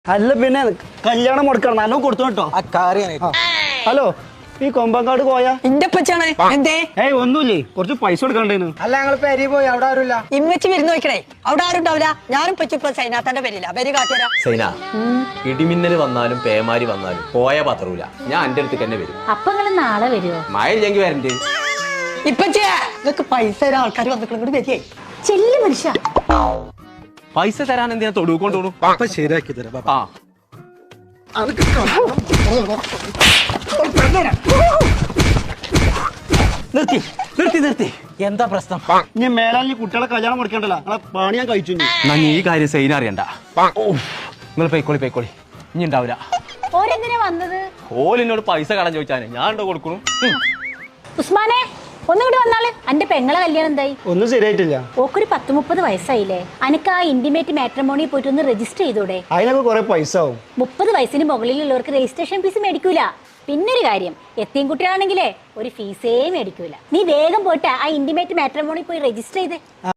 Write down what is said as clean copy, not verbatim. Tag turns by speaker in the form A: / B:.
A: അല്ല പിന്നെ കല്യാണം മുടക്കണം നല്ലോ കൊടുത്തു കേട്ടോ. ഹലോ ഈ കൊമ്പങ്കാട് പോയാ
B: എന്റെ പച്ചാണ് എന്തേ
A: ഏയ് ഒന്നുമില്ലേ കുറച്ച് പൈസ കൊടുക്കണ്ടേന്ന്.
C: അല്ല ഞങ്ങൾ പെരി പോയി അവിടെ ആരുമില്ല.
B: ഇമ്മച്ചി വിരുന്ന് നോക്കണേ അവിടെ ആരും ഉണ്ടാവില്ല. ഞാനും പറ്റിപ്പോ സൈനാത്തന്റെ പേരില്ല പേര് കാട്ടിയരാ.
D: സൈന ഇടിമിന്നൽ വന്നാലും പേമാരി വന്നാലും പോയ പത്രൂല. ഞാൻ എന്റെ അടുത്ത് തന്നെ വരും.
E: അപ്പൊ നിങ്ങള് നാളെ വരുമോ?
D: മഴ ഇല്ലെങ്കിൽ വരണ്ടേ.
B: ഇപ്പച്ചേ നിങ്ങക്ക് പൈസ തരാൻ ആൾക്കാർ വന്നിട്ട് വരികയെ
E: ചെല്ലു മനുഷ്യ.
D: പൈസ തരാൻ എന്തിനാ തൊടുക്കൊണ്ടോളൂ.
A: ശരിയാക്കി തരാം.
D: ആ നിർത്തി നിർത്തി നിർത്തി. എന്താ പ്രശ്നം?
A: ഇനി മേലാൽ ഈ കുട്ടികളെ കല്യാണം മുടക്കണ്ടല്ലോ. നിങ്ങളെ പണി ഞാൻ കഴിച്ചു.
D: ഞാൻ ഈ കാര്യം സൈന അറിയണ്ട. നിങ്ങൾ പൊയ്ക്കോളി ഇനി ഉണ്ടാവില്ല.
E: ഓരെന്തിനാ വന്നത്?
D: ഓലിനോട് പൈസ കടം ചോദിച്ചാൽ ഞാൻ ഉണ്ടോ കൊടുക്കണു.
E: ഉസ്മാനെ ഒന്നുകൂടി വന്നാള്. അന്റെ പെങ്ങളെ കല്യാണം എന്തായി?
A: ഒന്നും ശരിയായിട്ടില്ല.
E: ഓക്കൊരു 10-30 വയസ്സായില്ലേ? അനക്ക് ആ ഇന്റിമേറ്റ് മാട്രിമോണി പോയിട്ട് ഒന്ന് രജിസ്റ്റർ ചെയ്തൂടെ?
A: അതിനൊക്കെ കുറെ പൈസ ആവും.
E: 30 വയസ്സിന് മുകളിലുള്ളവർക്ക് രജിസ്ട്രേഷൻ ഫീസ് മേടിക്കൂല. പിന്നൊരു കാര്യം, എത്തിയും കുട്ടികളാണെങ്കിലേ ഒരു ഫീസേ മേടിക്കൂല. നീ വേഗം പോയിട്ട് ആ ഇന്റിമേറ്റ് മാട്രിമോണി പോയി രജിസ്റ്റർ ചെയ്തേ.